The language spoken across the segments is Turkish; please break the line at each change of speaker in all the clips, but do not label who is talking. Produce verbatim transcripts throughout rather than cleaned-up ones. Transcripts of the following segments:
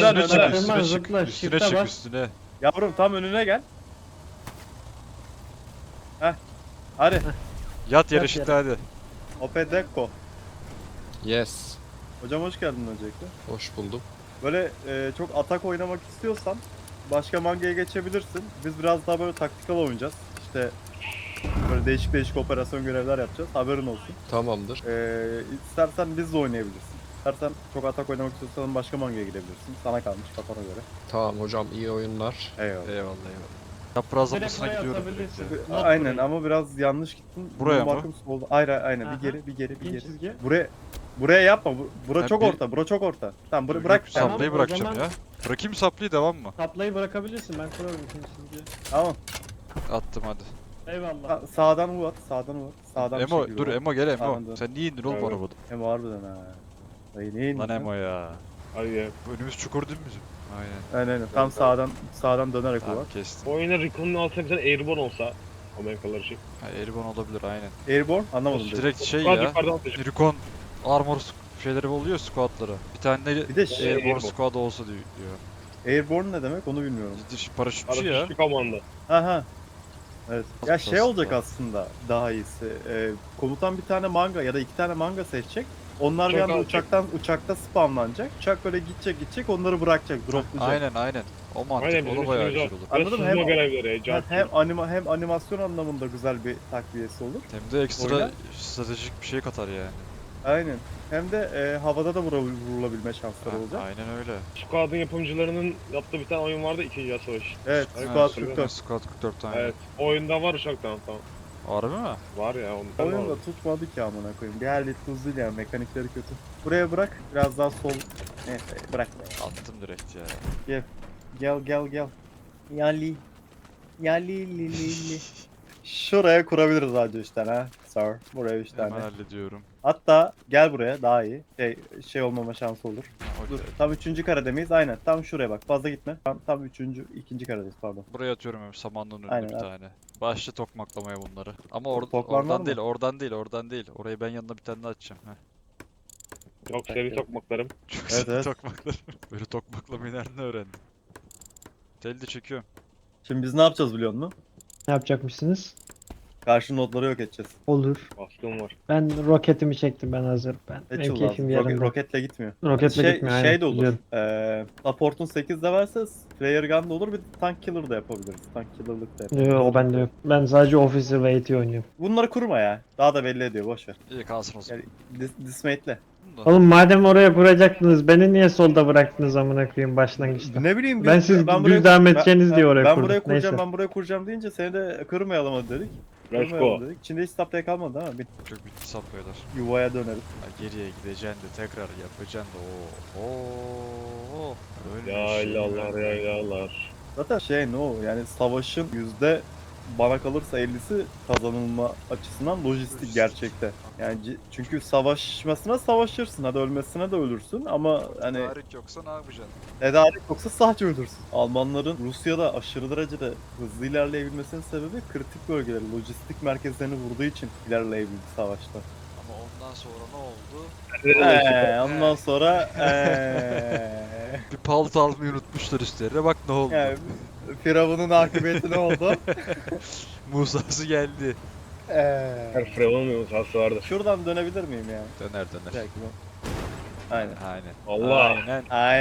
Önden,
üstüne çık,
önden.
üstüne çık,
Zıpla,
üstüne
shift'e
çık,
bas.
üstüne.
Yavrum tam önüne gel. Heh. Hadi.
Yat yere
Yat
şimdi
yere.
hadi.
Opedeko.
Yes.
Hocam hoş geldin öncelikle.
Hoş buldum.
Böyle e, çok atak oynamak istiyorsan başka mangaya geçebilirsin. Biz biraz daha böyle taktikal oynayacağız. İşte böyle değişik değişik operasyon görevler yapacağız. Haberin olsun.
Tamamdır.
E, istersen biz de oynayabilirsin. İstersen çok atak oynamak istiyorsan başka mangaya gidebilirsin. Sana kalmış kafana göre.
Tamam hocam, iyi oyunlar.
Eyvallah.
Eyvallah eyvallah. Çapraz
Direkt
apısına
buraya
gidiyorum direkt
atabilirsin.
ya.
Not
Aynen
burayı.
ama biraz yanlış gittin.
Buraya
Bu
mı?
bakım solda. Hayır hayır, aynen
Aha.
bir geri bir geri bir
İn
geri.
çizgi.
Buraya buraya yapma. Bu- Bura
Ha,
çok
bir-
orta. Bura çok orta. Tamam bıra-
Yok,
bırak.
Tamam,
Saplayı
o
bırakacağım
zaman-
ya. Bırakayım saplıyı devam mı?
Saplayı bırakabilirsin, ben kurarım ikinci çizgiyi.
Tamam.
Attım hadi.
Eyvallah.
Sa- sağdan vur at. Sağdan vur at. Sağdan bir
Emo
şekilde
dur
vur.
Emo gel Emo.
Sağdan dön.
Sen niye indin oğlum
Evet.
arabada?
Emo harbiden ha. Dayı ne indin
Lan
sen?
Emo ya.
Hadi ya.
Bu önümüz çukur değil mi bizim? Aynen.
Aynen aynen. Tam sağdan sağdan dönerek vur
Tamam
at.
kestim.
Oyuna Recon'un altına bir tane Airborne olsa Amerikalılar için.
Ha, Eribon olabilir aynen.
Airborne anlamadım. dedi.
Direkt şey
Squad
ya.
yukarıdan atacak.
Recon armor sk- şeyleri oluyor squadları. Bir tane de
Bir de şey,
Airborne
Airborne.
squad olsa diyor. diyor.
Airborne ne demek onu bilmiyorum.
Ciddi paraşütçü ya.
Paraşütlü komanda.
Aha. Evet. Ya
Basit
şey olacak
aslında.
aslında daha iyisi. Ee, komutan bir tane manga ya da iki tane manga seçecek. Onlar bir
Çok
anda
alacak.
uçaktan uçakta spamlanacak. Uçak böyle gidecek gidecek onları bırakacak, droplayacak.
Aynen aynen. O mantık
Aynen
o
bizim
da bayağı
işimiz
güzel
o.
olur.
Anladım,
Anladım
hem-
hem görevleri,
Hem,
Can.
hem anima hem animasyon anlamında güzel bir takviyesi olur.
Hem de ekstra
Oyna.
stratejik bir şey katar yani.
Aynen. Hem de e, havada da vura- vurulabilme şansları
Ha,
olacak.
aynen öyle.
Squad'ın yapımcılarının yaptığı bir tane oyun vardı, İkinci Dünya Savaşı.
Evet,
Aynen,
Squad
hatırlıyorum.
kırk dört.
Squad kırk dört tane.
Evet. O oyunda var uçaktan tamam.
Harbi mi?
Var ya ondan
Oyun da
var.
tutmadı ki amına koyayım. Bir halde tuzlu yani mekanikleri kötü. Buraya bırak, biraz daha sol. Neyse bırak be.
Attım direkt ya.
Gel gel gel. Yali. Yali li li li. Şuraya kurabiliriz hacı üç tane ha. Sir. Buraya üç
Hemen
tane.
hallediyorum.
Hatta gel buraya daha iyi. Şey, şey olmama şansı olur.
Ha,
Dur,
okey.
tam üçüncü karede miyiz? Aynen. Tam şuraya bak. Fazla gitme. Tam, tam üçüncü, ikinci karedeyiz pardon.
Buraya atıyorum hem samanlığın önüne
Aynen,
bir
at.
tokmaklamaya Başla tokmaklamaya bunları. Ama or
Toklar var
oradan
mı?
değil, oradan değil, oradan değil. Orayı ben yanına bir tane daha açacağım. Heh.
Yok seri tokmaklarım.
Çok
Evet,
evet,
evet.
tokmaklar. Böyle tokmaklamayı nereden öğrendin? Telde çekiyorum.
Şimdi biz ne yapacağız biliyor musun?
Ne yapacakmışsınız?
Karşı notları yok edeceğiz.
Olur.
Baskım var.
Ben roketimi çektim, ben hazır. Ben. Benim
Satchel
keyfim
lazım. Roket,
yerinde.
roketle gitmiyor.
Roketle
şey,
gitmiyor,
şey
aynen,
de olur.
biliyorum.
Eee support'un sekizde varsa Flare Gun da olur. Bir de Tank Killer da yapabiliriz. Tank Killer'lık da yapabiliriz.
Yok, o bende yok. Ben sadece Officer ve A T oynuyorum.
Bunları kurma ya. Daha da belli ediyor. Boş ver.
İyi kalsın o zaman.
Yani dis dismate'le.
Bunu da-
Oğlum madem oraya kuracaktınız, beni niye solda bıraktınız amına koyayım başlangıçta?
Ne bileyim
Ben siz düz devam edeceğiniz diye oraya
ben
kurdum.
buraya kuracağım,
Neyse.
ben buraya kuracağım deyince seni de kırmayalım hadi dedik.
Let's
Kırmayalım
go.
dedik. İçinde hiç stop kalmadı ama bir
Çok bitti sapıyorlar.
yuvaya döneriz.
Ha, geriye gideceksin de tekrar yapacaksın da o. Oo.
Yaylalar yaylalar.
Zaten şey ne o yani savaşın yüzde bana kalırsa ellisi kazanılma açısından lojistik gerçekte. Yani c- çünkü savaşmasına savaşırsın, hadi ölmesine de ölürsün ama hani
Tarih yoksa ne yapacaksın?
tedarik yoksa sadece ölürsün. Almanların Rusya'da aşırı derecede hızlı ilerleyebilmesinin sebebi kritik bölgeleri, lojistik merkezlerini vurduğu için ilerleyebildi savaşta.
Ama ondan sonra ne oldu?
Eee ondan sonra eee
Bir palto almayı unutmuşlar üstlerine bak ne oldu.
yani Firavun'un akıbeti ne oldu?
Musa'sı geldi.
Eee
Her Fremon'un yumurtası vardı.
Şuradan dönebilir miyim ya?
Döner döner.
Belki bu. Aynen.
Aynen.
Allah.
Aynen.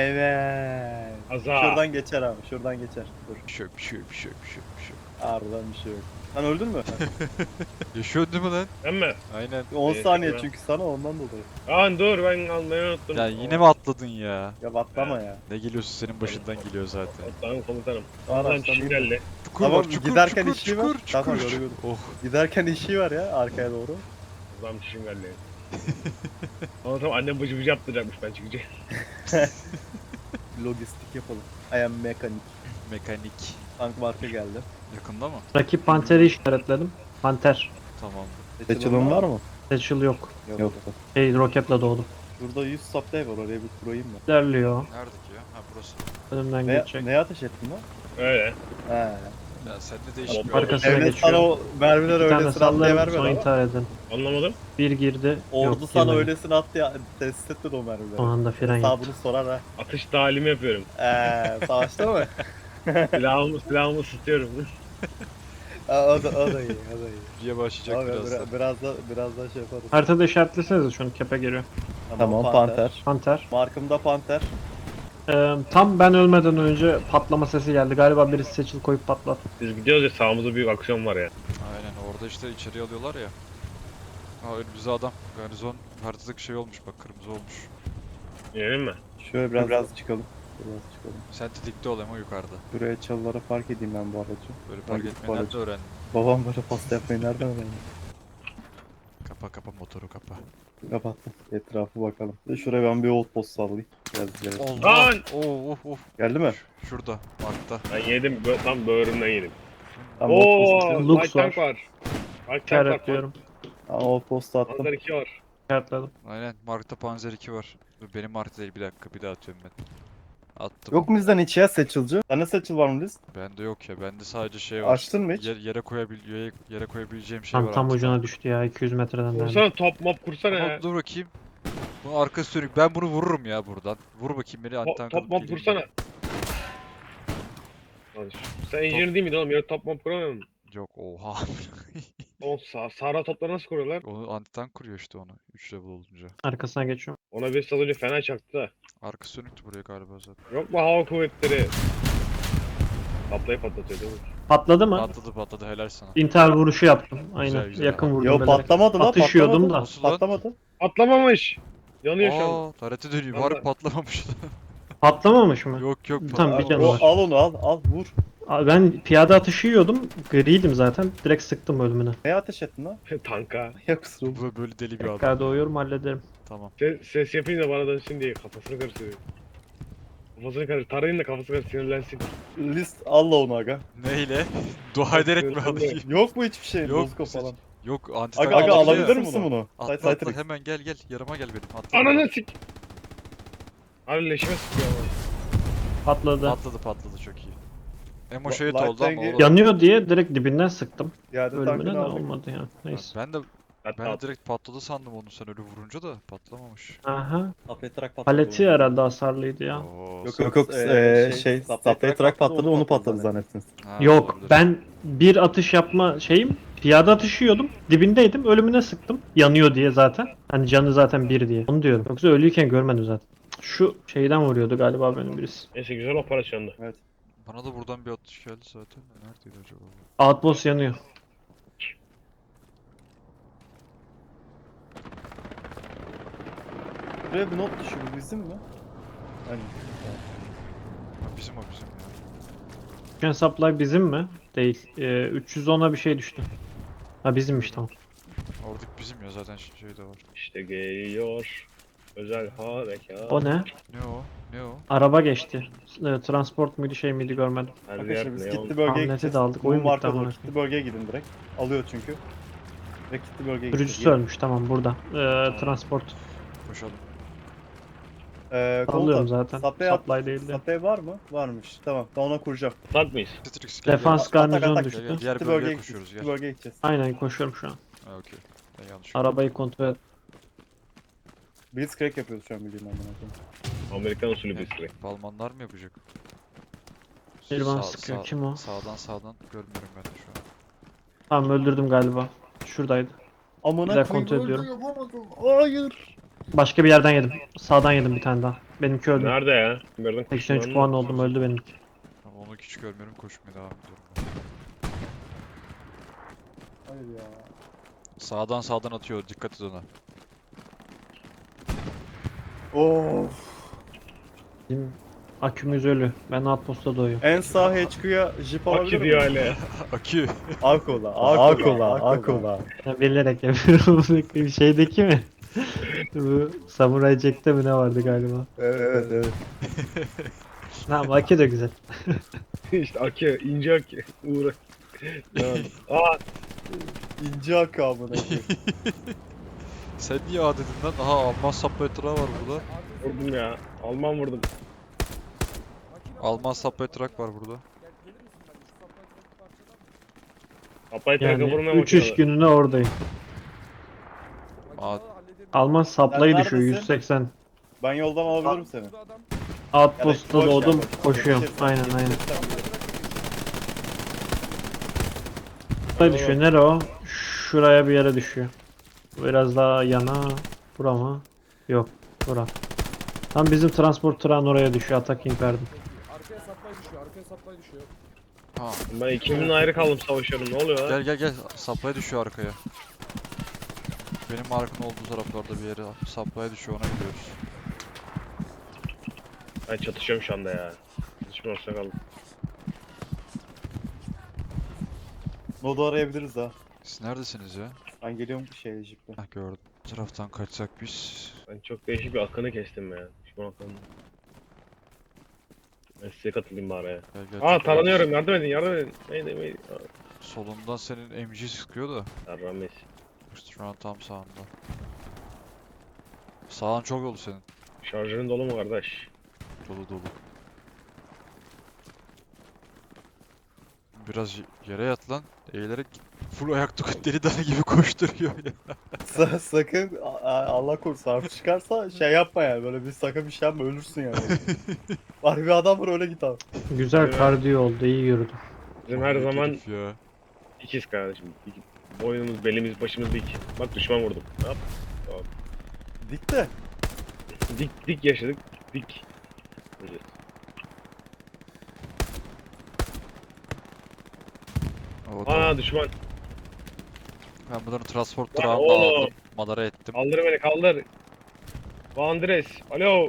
Aynen.
Aza.
Şuradan geçer abi, şuradan geçer. Dur.
Bir şey yok, bir şey yok, bir şey yok, bir şey yok, bir şey yok.
Harbiden bir şey yok. Sen öldün mü?
Yaşıyorsun değil mi lan?
Ben mi?
Aynen.
on
Evet,
saniye
evet.
çünkü sana ondan dolayı.
Aa dur ben almayı unuttum.
Ya yine mi atladın ya?
Ya batlama ya.
Ne geliyorsun senin başından geliyor zaten.
Tamam komutanım.
Araçtan
Adam çişim
değil.
geldi.
Çukur
Tamam,
var, çukur,
giderken
çukur,
işi var.
çukur, çukur,
Tamam,
çukur.
gördüm.
Oh.
Giderken işi var ya arkaya doğru.
Adam çişim geldi. Ama tamam annem bıcı bıcı yaptıracakmış ben çıkınca.
Lojistik yapalım. I am mekanik.
Mekanik.
Tank marka geldi.
Yakında mı?
Rakip Panter'i işaretledim. Panter.
Tamam.
Seçilin var mı?
Satchel yok.
Yok.
Şey, roketle doğdum.
Şurada yüz supply var, oraya bir kurayım mı?
İlerliyor.
Nerede ki ya? Ha burası.
Önümden
Ne,
geçecek.
neye ateş ettin lan?
Öyle.
He.
Ya sende değişik bir
Arkasına
Devlet sana
geçiyorum.
o mermileri
Bir tane
öylesine at diye
sallarım
vermedi
sonra
ama.
intihar edin.
Anlamadım.
Bir girdi.
Ordu
Yok,
sana
girmedi.
öylesine at diye test etmedi o mermileri.
O anda fren yaptı.
Hesabını sorar ha.
Atış talimi yapıyorum.
Eee savaşta mı?
Silahımı, silahımı ısıtıyorum.
Aa, o da, o da iyi, o da iyi.
diye başlayacak
Abi,
birazdan.
biraz, biraz da biraz da şey yaparız.
Haritada işaretlesenize şunu kepe geliyor.
Tamam, panter.
Panter.
Markımda panter.
Ee, tam ben ölmeden önce patlama sesi geldi. Galiba birisi seçil koyup patlattı.
Biz gidiyoruz ya sağımızda büyük aksiyon var ya.
Aynen orada işte içeri alıyorlar ya. Aa önümüzde adam. Garnizon haritadaki şey olmuş bak kırmızı olmuş.
İnelim mi?
Şöyle biraz, biraz çıkalım. Biraz çıkalım.
Sen tetikte ol ama yukarıda.
Buraya çalılara park edeyim ben bu aracı.
Böyle
Ben
park
gidip
etmeyi nerede
aracı-
öğrendin?
Babam böyle pasta yapmayı nereden öğrendi?
Kapa kapa motoru kapa.
Kapattım. Etrafı bakalım. Bir de şuraya ben bir old post sallayayım. Biraz ileri.
Allah!
Lan!
Oo of of.
Geldi mi?
Ş- Şurada, Mark'ta.
Ben yedim bö- tam böğrümden yedim.
Tamam, old post
Ooo
attım.
Lux
light tank
var.
var. Light tank var.
İşaretliyorum.
Tamam, old post attım.
Panzer iki var.
İşaretledim.
Aynen Mark'ta Panzer iki var. Dur, benim Mark değil bir dakika bir daha atıyorum ben. Attım.
Yok mu bizden hiç ya seçilci? Sende seçil var mı Liz?
Bende yok ya. Bende sadece şey var.
Açtın mı hiç?
Yer, yere koyabil yere, yere koyabileceğim şey
Tam
var.
tam
antika.
ucuna düştü ya iki yüz metreden. nerede.
Kursana top mop kursana
Ama
ya.
dur bakayım. Bu arka sürük. Ben bunu vururum ya buradan. Vur bakayım beni
To-
antitank
top
alıp
mop
geleyim
kursana.
ben.
Lan şu- Sen engineer değil miydin oğlum? Yarı top mop kuramıyor musun?
Yok oha.
Oğlum sa Sahra topları nasıl kuruyorlar?
Onu antitank kuruyor işte onu. üç level olunca.
Arkasına geçiyorum.
Ona bir salıcı fena çaktı da.
Arka sönüktü buraya galiba zaten.
Yok mu hava kuvvetleri? Patlayıp patlatıyor değil mi?
Patladı mı?
Patladı patladı helal sana.
İntihar vuruşu yaptım. Aynen.
Güzel, güzel.
Yakın vurdum.
Yo
bilerek.
patlamadı lan.
Atışıyordum
patlamadı.
da.
Nasıl lan?
Patlamadı.
Patlamamış. Yanıyor şu an.
Aa, tarete dönüyor.
Vallahi-
Var patlamamış.
Patlamamış mı?
yok yok.
Tamam, bir
patlamamış.
canı
O,
var.
al onu al al vur.
Aa, ben piyade atışı yiyordum. Griydim zaten. Direkt sıktım ölümüne.
Neye ateş ettin lan?
Tanka.
Ya kusura bakma.
Bu böyle deli bir adam.
Tekrar doğuyorum hallederim.
Tamam.
Ses, ses yapayım da bana dönsün diye kafasını karıştırıyor. Kafasını karıştır. Tarayın da kafası karıştır sinirlensin.
List al la onu aga.
Neyle? Dua ederek mi
Yok,
alayım?
Yok mu hiçbir şey?
Yok,
Bozko
seç-
falan.
Yok antitank
Aga, aga
alabiliyor
alabilir
ya.
misin bunu?
Atla
Say-
atla
Saytrix.
hemen gel gel. Yarıma gel benim. Atla.
Ananı sik. Abi leşime sıkıyor ama.
Patladı.
Patladı patladı çok iyi. Emo
La-
şehit
Light
oldu ama
Tank'i-
olabilir.
Yanıyor diye direkt dibinden sıktım.
Yerde
Ölümüne
tankını
de
aldık.
olmadı ya. Neyse.
Ben de
Hatta
ben de direkt patladı sandım onu sen öyle vurunca da patlamamış.
Aha.
Saplatarak patladı.
Paleti herhalde hasarlıydı ya.
Oo,
Yok
sen-
yok yok eee, şey saplatarak patladı onu patladı zannettiniz.
Ha,
Yok
olabilir.
ben bir atış yapma şeyim piyade atışı yiyordum dibindeydim ölümüne sıktım yanıyor diye zaten hani canı zaten bir diye onu diyorum yoksa ölüyken görmedim zaten şu şeyden vuruyordu galiba benim birisi
neyse güzel operasyondu.
Bana da buradan bir atış geldi zaten. Neredeydi acaba? bu?
outpost yanıyor
Buraya bir not düşüyor bu bizim mi? Hani
Ha, bizim o bizim ya.
Chicken supply bizim mi değil ee, üç yüz ona bir şey düştü ha bizimmiş tamam
Oradaki bizim ya zaten şey şey de var.
İşte geliyor. Özel harekat.
o ne
Ne o? Ne o?
araba geçti Ee, transport muydu şey miydi görmedim
Her
arkadaşlar
yer
biz
neon.
kitli bölgeye
Hamleti
gideceğiz.
de aldık,
Bu
oyun bitti
marka
amına
doğru kitli bölgeye gidin direkt. Alıyor çünkü. Direkt kitli bölgeye
sürücüsü
gidin.
ölmüş tamam burada ee, transport
Koşalım.
Eee
alıyorum
komutan.
zaten
Supply, at-
supply değildi
supply var mı? Varmış. Tamam. Ben ona kuracağım.
Tank mıyız?
Citrix gel.
defans
Atak,
garnizon
atak.
düştü
Gel, gel. Diğer
Kitli
bölgeye
bölgeye
koşuyoruz,
gideceğiz.
gel.
Kitli bölgeye gideceğiz.
aynen koşuyorum şu an
Ha okey. Ben yanlış.
arabayı kontrol et
Blitzcrank yapıyoruz şu an bildiğin amına koyayım.
Amerikan usulü bir süre.
Balmanlar mı yapacak?
Bir bana
Sağ-
sıkıyor.
sağ-
Kim o?
Sağdan sağdan görmüyorum ben de şu an.
Tamam öldürdüm galiba. Şuradaydı.
Amına
Güzel
koyayım,
kontrol
öldü,
ediyorum.
yapamadım. Hayır.
Başka bir yerden yedim. Sağdan yedim bir tane daha. Benimki öldü.
Nerede ya? Nereden
seksen üç
kuşkulandı?
puan oldum öldü benimki.
Ama onu hiç görmüyorum koşmaya devam ediyorum.
Hayır ya.
Sağdan sağdan atıyor dikkat et ona.
Of.
Bizim akümüz ölü. Ben outpost'ta doyuyorum.
En sağ H Q'ya jip alabilir
Akü diyor
miyim?
hala.
Akü.
Akola, Akola, Akola.
Ya bilerek yapıyorum. Bir şeydeki mi? Bu Samurai Jack'te mi ne vardı galiba?
Evet, evet, evet.
Tamam akü de güzel.
işte akü, ince akü. Uğra.
Evet.
Aa,
İnce akı amına koyayım.
Sen niye A dedin lan? Aha Alman suppletra var burada.
vurdum ya. Alman vurdum.
Alman suppletrak var burada.
Apay traga
Yani
vurmaya
üç iş
bakıyorlar.
gününe oradayım.
Aa,
Alman saplayı
Sen
düşüyor
neredesin?
yüz seksen.
Ben yoldan alabilirim seni.
Outpost'ta
boş ver,
doğdum
boş ver.
koşuyorum.
Yetişirsen,
Aynen aynen.
yetişirsen bilirim.
Saplayı düşüyor. Nere o? Şuraya bir yere düşüyor. Biraz daha yana. Bura mı? Yok. Bura. Tam bizim transport tırağın oraya düşüyor. Attacking verdim.
Arkaya supply düşüyor, arkaya supply düşüyor.
ha.
Ben ikimden ayrı kaldım savaşıyorum. Ne oluyor lan?
Gel gel gel. Supply düşüyor arkaya. Benim markın olduğu taraflarda bir yere supply düşüyor, ona gidiyoruz.
Ben çatışıyorum şu anda ya. Hiçbir olsa kaldım.
Nodu arayabiliriz ha.
Siz neredesiniz ya?
Ben geliyorum şey jiple.
Hah, gördüm. Bu taraftan kaçsak biz.
Ben çok değişik bir akını kestim ya. Düşman akını. Ben size katılayım bari ya.
Gel, gel,
Aa
çok
taranıyorum, yardım edin, yardım edin. Neydi neydi?
rahat. Solundan senin M G sıkıyor da.
Yarram Bey.
Şu an tam sağında. Sağın çok yolu senin.
Şarjörün dolu mu kardeş?
Dolu dolu. Biraz y- yere yat lan. Eğilerek full ayakta deli dana gibi koşturuyor ya.
Sa- sakın a- a- Allah korusun harf çıkarsa şey yapma yani böyle bir sakın bir şey yapma ölürsün yani. Var bir adam var öyle git abi.
Güzel
Evet.
kardiyo oldu. İyi yürüdüm.
Bizim her
Manyak
zaman
herif ya.
ikiz kardeşim. İki- Boynumuz, belimiz, başımız dik. Bak düşman vurdum. Ne yap?
Dik de.
Dik dik yaşadık. Dik. Öleceğiz.
O tamam.
Aa düşman.
Ben bunların transport
Lan
durağını da
oğlum.
aldım. Madara ettim.
Kaldır beni kaldır. Bu Andres. Alo.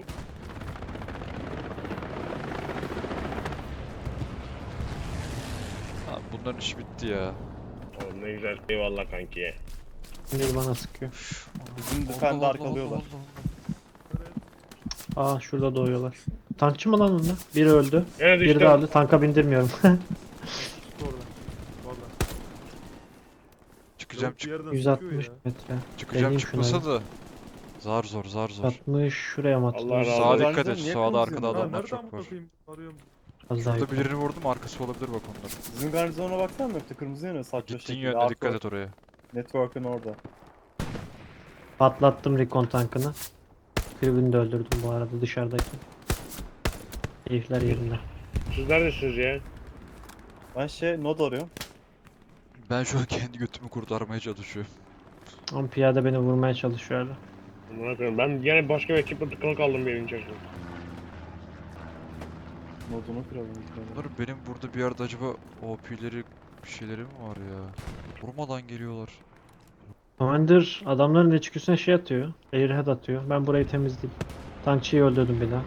Ha, bunların işi bitti ya.
Oğlum ne güzel. Eyvallah kanki.
Bir bana sıkıyor.
Bizim
Allah
defende
Allah
arkalıyorlar.
Allah Allah.
Aa şurada doğuyorlar. Tankçı mı lan onlar? Biri öldü.
Gene
Biri
düştüm.
de öldü. Tanka bindirmiyorum.
Orada. Valla.
Çıkacağım
Yok, bir
çık
yerden
yüz
sıkıyor
altmış
ya.
metre.
çıkacağım
deneyim
çıkmasa
şunları.
da. Zar zor zar zor.
altmış şuraya mı
Allah
atılır?
razı
Sağa
olsun.
dikkat et.
Niye
Sağda arkada
konuşuyorsun?
Ha
adamlar
nereden
çok var.
bakayım? Arıyorum.
Az daha
Şurada
yukarı.
birini vurdum, arkası olabilir bak onların.
Bizim garnizona baksana mı? Kırmızı yanıyor saçma
Gittiğin
şekilde.
yönde dikkat et oraya.
Network'ın orada.
Patlattım recon tankını. Tribünü de öldürdüm bu arada dışarıdaki. Keyifler yerinde.
Siz neredesiniz ya?
Ben şey nod arıyorum.
Ben şu an kendi götümü kurtarmaya çalışıyorum.
Ama piyade beni vurmaya çalışıyordu.
Amına koyayım. Ben yine başka bir ekiple tıkalı kaldım bir evin içerisinde.
Nodunu kıralım. ilk önce.
Bunlar benim burada bir yerde acaba O P'leri bir şeyleri mi var ya? Vurmadan geliyorlar.
Commander adamların içgüsüne şey atıyor. Airhead atıyor. Ben burayı temizleyeyim. Tankçıyı öldürdüm bir daha.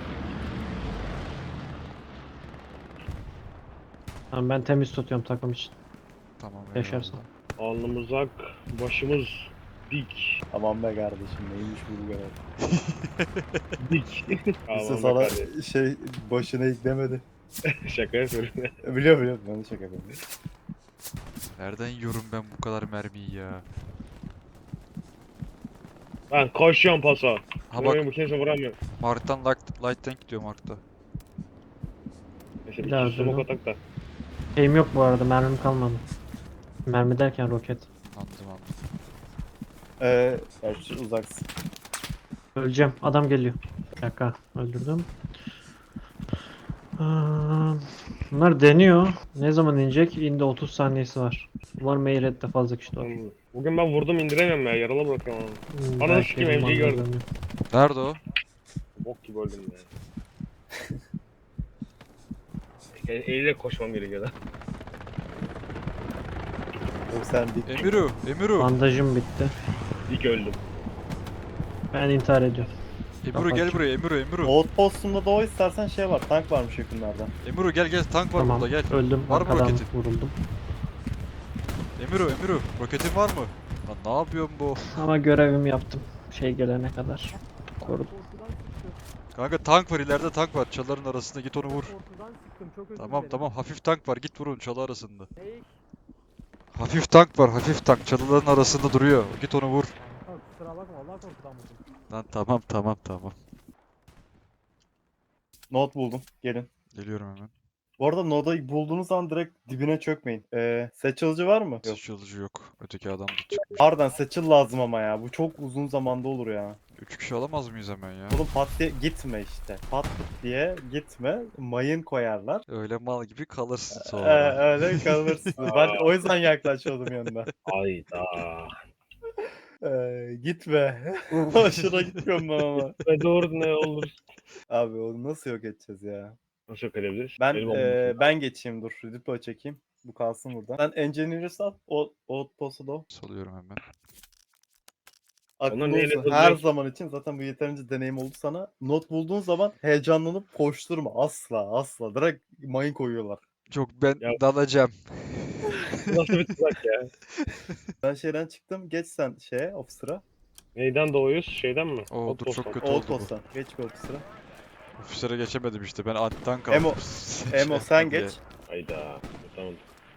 Tamam ben temiz tutuyorum takım için.
Tamam.
Yaşarsın.
eyvallah.
Alnımız ak, başımız dik.
Aman be kardeşim neymiş bu görev.
Dik.
Kimse
Aman be
sana
kardeşim.
şey başına eklemedi.
Şaka yapıyorum.
Biliyorum biliyorum ben de şaka yapıyorum.
Nereden yiyorum ben bu kadar mermiyi ya?
Ben koşuyorum paso.
Ha
Bak.
bak,
Bu kimse vuramıyor.
Mark'tan light, light tank gidiyor Mark'ta.
Neyse
Bir
bir
daha
iki smoke
öldürdüm.
atak da.
Şeyim yok bu arada mermim kalmadı. Mermi derken roket.
Anladım anladım.
Eee gerçi uzaksın.
Öleceğim. Adam geliyor. Bir dakika. Öldürdüm. Aa, bunlar deniyor. Ne zaman inecek? İndi otuz saniyesi var. Umarım Airhead'de fazla kişi var.
Bugün ben vurdum indiremiyorum ya. Yaralı bırakıyorum onu.
Hmm,
Ananı
belki
sikeyim,
elim
M C'yi
anda
gördüm.
dönüyor.
Nerede o?
Bok gibi öldüm ya. E- Eğilerek koşmam gerekiyor da.
Yok sen dik.
Emiru, Emiru.
Bandajım bitti.
Dik öldüm.
Ben intihar ediyorum.
Emiru gel buraya, Emiru, Emiru.
Outpost'unda da o istersen şey var tank varmış yakınlarda.
Emiru gel gel, tank var
Tamam.
burada gel.
Öldüm.
Var mı
Arkadan
roketin?
vuruldum.
Emiru, Emiru. Roketin var mı? Lan ne yapıyorsun bu?
Ama görevimi yaptım. Şey gelene kadar. Korudum.
Korkudan sıktım.
Kanka tank var, ileride tank var. Çalıların arasında git onu vur.
Korkudan sıktım. Çok özür
Tamam
dilerim.
tamam, hafif tank var, git vurun çalı arasında.
Hey,
Hafif tank var, hafif tank. Çalıların arasında duruyor. Git onu vur.
kanka kusura bakma. Vallahi korkudan vurdum.
Lan tamam tamam tamam.
Node buldum. Gelin.
Geliyorum hemen.
Bu arada Noda'yı bulduğunuz zaman direkt dibine çökmeyin. Ee, seçilicı var mı? Yok.
Sıçrayıcı yok. Öteki adam da çıkmış.
Pardon seçil lazım ama ya. Bu çok uzun zamanda olur ya.
Üç kişi alamaz mıyız hemen ya?
Oğlum pat diye gitme işte. Pat diye gitme. Mayın koyarlar.
Öyle mal gibi kalırsın
Ee,
sonra.
öyle kalırsın. Ben o yüzden yaklaşıyordum yanına.
Hayda.
Ee, gitme. Aşırı gitmiyorum ben ama.
Ve doğru ne olur.
Abi onu nasıl yok edeceğiz ya?
Nasıl yok edebiliriz?
Ben
Benim
e,
olmasın.
ben geçeyim dur. Diplo çekeyim. Bu kalsın burada. Sen Engineer'ı sal. O Outpost'u da o.
Salıyorum hemen.
Aklında
Onlar neyle
olsun.
yapılacak?
Her zaman için zaten bu yeterince deneyim oldu sana. Not bulduğun zaman heyecanlanıp koşturma. Asla asla. Direkt mayın koyuyorlar.
Yok ben
Ya-
dalacağım.
Nasıl bir tuzak ya?
Ben şeyden çıktım. Geç sen şeye officer'a.
Neyden doğuyuz? Şeyden mi?
Oo, dur,
Outpost'tan.
çok kötü oldu bu.
Outpost'tan. Geç bir officer'a.
Ofisere geçemedim işte. Ben anttan kaldım.
Emo, Emo sen geç.
Hayda. Tamam.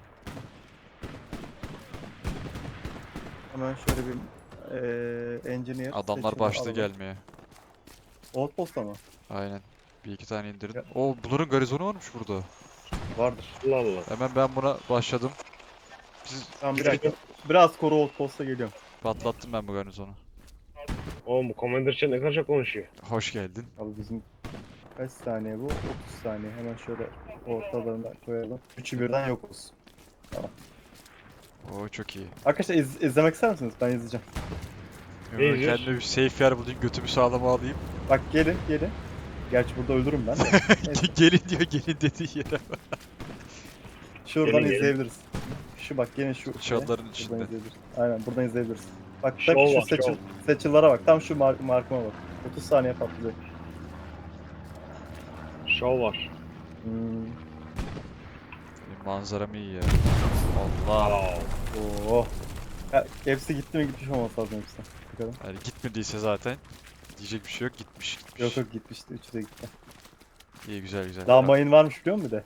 Hemen şöyle bir eee engineer
Adamlar
seçimi
başladı
alalım.
gelmeye.
Outpost'ta mı?
Aynen. Bir iki tane indirin.
Ya-
Oo, bunların garizonu varmış burada.
Vardır.
Allah Allah.
Hemen ben buna başladım. Siz
Tamam bir dakika. Biraz koru Outpost'a geliyorum.
patlattım ben bu garizonu.
Oğlum bu Commander için ne kadar çok konuşuyor.
Hoş geldin.
Abi bizim kaç saniye bu? otuz saniye. Hemen şöyle ortalarına koyalım. Üçü birden yok olsun.
Oo, çok iyi.
Arkadaşlar iz- izlemek ister misiniz? Ben izleyeceğim.
Ben
izliyorsun?
kendime bir safe yer bulayım, götümü sağlama alayım.
Bak gelin gelin. Gerçi burada ölürüm ben de. Neyse,
Gelin diyor, gelin dediği yere.
şuradan
Gelin, gelin.
izleyebiliriz. Şu bak gelin şu. şeye.
Çalıların
Buradan
içinde.
izleyebiliriz. Aynen buradan izleyebiliriz. Bak
Şov
tak şu
var,
seçil,
şov.
seçillere bak. Tam şu mark markıma bak. otuz saniye patlayacak.
Şov var.
Hmm.
Benim manzaram iyi ya. Allah.
Wow.
Oo. Ya, hepsi gitti mi gitmiş olması lazım hepsi. Bakalım.
Yani gitmediyse zaten diyecek bir şey yok, gitmiş gitmiş.
Yok yok gitmişti. Üçü de gitti.
İyi, güzel güzel.
Daha mayın varmış biliyor musun bir de?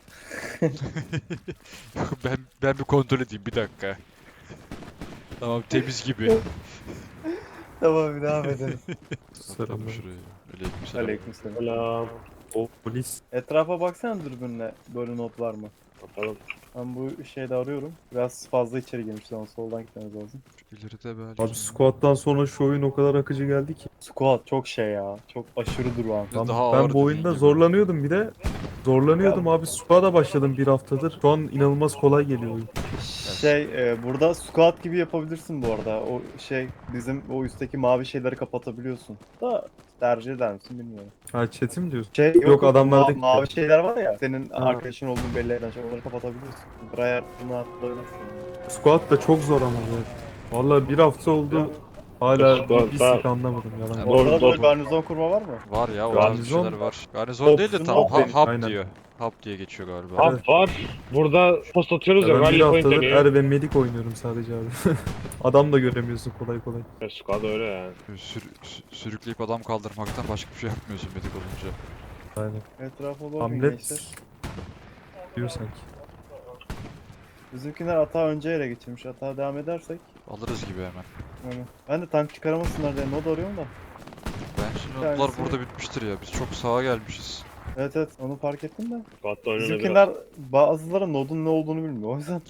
ben ben bir kontrol edeyim bir dakika. Tamam, temiz gibi.
Tamam bir devam edelim.
Atalım şuraya. Aleykümselam.
Aleykümselam.
Selam.
O polis.
Etrafa baksana dürbünle böyle not var mı?
Bakalım.
Ben bu şeyde arıyorum. Biraz fazla içeri girmiş ama soldan gitmemiz lazım.
İleride böyle.
Abi squat'tan sonra şu oyun o kadar akıcı geldi ki.
Squad çok şey ya. Çok aşırı durağan.
Ben,
Daha ağır
ben bu oyunda
dediğin gibi.
zorlanıyordum bir de. Zorlanıyordum abi. Squat'a başladım bir haftadır. Şu an inanılmaz kolay geliyor oyun.
Şey e, burada squad gibi yapabilirsin bu arada. O şey bizim o üstteki mavi şeyleri kapatabiliyorsun. Da tercih eder misin bilmiyorum.
Ha chat'i mi diyorsun?
Şey yok,
Yok, adamlarda
ma-
gitti.
mavi şeyler var ya. Senin
Ha.
arkadaşın olduğunu belli eden şey onları kapatabiliyorsun. Buraya bunu atlayabilirsin.
Squat da çok zor ama ya. Vallahi bir hafta oldu. Hala
Squat
bir
da-
sik anlamadım yalan.
Ha,
yok.
Doğru,
Orada
doğru.
böyle garnizon kurma var mı?
Var ya, o tarz bir
Garnizon-
şeyler var. Garnizon değil de
Hop,
tam
hop
ha,
demiş,
hap
aynen.
diyor. Hap diye geçiyor galiba.
Hap var. Burada post atıyoruz ya.
Ya ben bir
Rally point
haftadır
deniyor.
er ve medik oynuyorum sadece abi. Adam da göremiyorsun kolay kolay.
Squad öyle yani.
Sür, sü- sürükleyip adam kaldırmaktan başka bir şey yapmıyorsun medik olunca.
Aynen.
Etrafa bakın
Hamlet
gençler.
diyor sanki.
Bizimkiler atağı önce ele geçirmiş. Atağa devam edersek.
Alırız gibi hemen.
Yani. Ben de tank çıkaramasınlar diye mod arıyorum da.
Ben şimdi
Bir
notlar
tanesi-
burada bitmiştir ya. Biz çok sağa gelmişiz.
Evet evet onu fark ettim de.
Squad'da oynanabilir.
Bizimkiler bazıları nodun ne olduğunu bilmiyor. O yüzden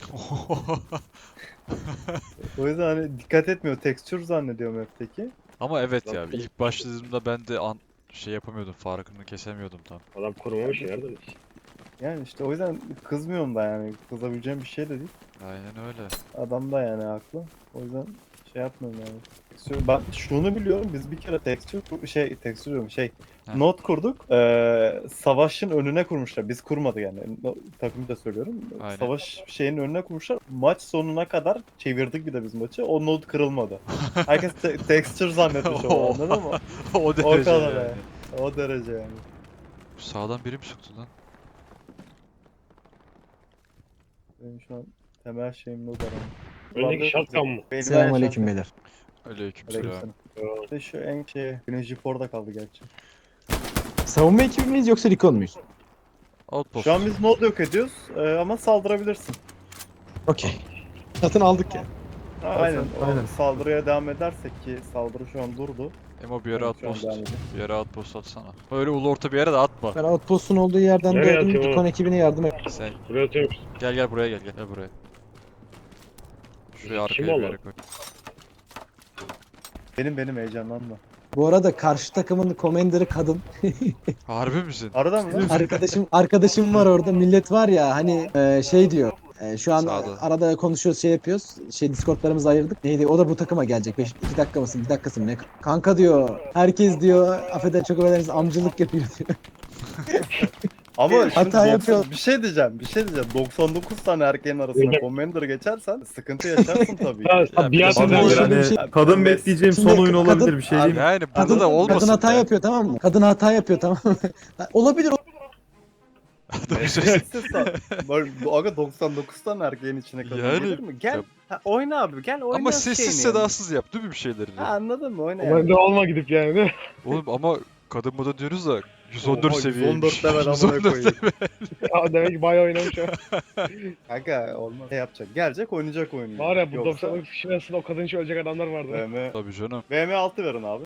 o yüzden hani dikkat etmiyor. Texture zannediyor map'teki.
Ama evet ya,
Zaten-
ilk başladığımda ben de an şey yapamıyordum, farkını kesemiyordum tam.
Adam kurmamış ya. Nereden?
Yani işte o yüzden kızmıyorum da yani. Kızabileceğim bir şey de değil.
Aynen öyle.
Adam da yani haklı. O yüzden şey yapmıyorum yani. Texture- Ben şunu biliyorum. Biz bir kere texture kur- şey texture diyorum şey
Heh.
not kurduk. Ee, savaşın önüne kurmuşlar. Biz kurmadık yani. No- takımı da söylüyorum.
Aynen.
Savaş şeyin önüne kurmuşlar. Maç sonuna kadar çevirdik bir de biz maçı. O not kırılmadı. Herkes te- texture zannetmiş o anladın mı?
o
O
derece
kadar
yani.
yani. O derece yani.
Sağdan biri mi sıktı lan?
Benim şu an temel şeyim not aramam.
Öndeki shotgun mı?
Benim
Selamünaleyküm
en
beyler.
Aleykümselam.
Aleykümselam. İşte şu en şey, Güneş Jipor'da kaldı gerçi.
Savunma ekibi miyiz yoksa recon muyuz?
Outpost.
Şu an biz mod yok ediyoruz e, ama saldırabilirsin.
Okey. Zaten aldık ya.
Ha, aynen. O
aynen.
saldırıya devam edersek ki saldırı şu an durdu.
Emo bir yere
Evet, şu an
outpost.
devam ediyor.
Bir yere outpost atsana. Öyle ulu orta bir yere de atma.
Ben outpost'un olduğu yerden
Nereye
döndüm.
atayım
Recon
oğlum?
ekibine yardım et.
Sen
Buraya atıyorum.
gel gel buraya gel gel. Gel buraya. Şuraya
Kim
arkaya bir
o
yere
lan?
koy.
Benim benim heyecanlanma.
Bu arada karşı takımın commander'ı kadın.
Harbi misin?
Arada mı?
Arkadaşım arkadaşım var orada. Millet var ya hani e, şey diyor. e, şu an
Sağda.
arada konuşuyoruz, şey yapıyoruz. Şey Discord'larımızı ayırdık. Neydi? O da bu takıma gelecek. beş iki dakika mısın? bir dakikası mı ne? Kanka diyor. Herkes diyor. Affeder çok affedersiniz amcılık yapıyor diyor.
Ama şimdi
Hata
doksan
yapıyor.
bir şey diyeceğim, bir şey diyeceğim. doksan dokuz tane erkeğin arasına Commander geçersen sıkıntı yaşarsın tabii.
Ha,
Ya
bir
bir de
atın
bana
da
şöyle
böyle.
bir şey-
Yani kadın
Mes-
bekleyeceğim son
Şimdi
oyun
kadın-
olabilir bir şey diyeyim.
Yani burada
Kadın,
da olmasın.
kadın hata
ya.
yapıyor tamam mı? Kadın hata yapıyor tamam mı? Olabilir.
Nefessiz sa- Böyle bu- Aga doksan dokuz tane erkeğin içine kadın
Yani-
gelir mi? Gel.
Ya-
Ha, oyna abi gel oyna.
Ama sessiz
şeyini
sedasız yap değil mi bir şeyleri?
yani. Ha, anladın mı? Oyna
Ben
yani.
de olma gidip yani değil mi?
Oğlum ama kadın mı da diyoruz da yüz on dört
Oha,
seviyeymiş.
yüz on dört level amına
yüz on dört
koyayım.
Ya demek ki bayağı oynamış ha.
Kanka olmaz. Ne yapacak? Gelecek oynayacak oyunu.
Var ya bu
Yoksa
doksan dokuz kişinin arasında o kadın için ölecek adamlar vardı.
V M
Tabii canım.
V M altı verin abi.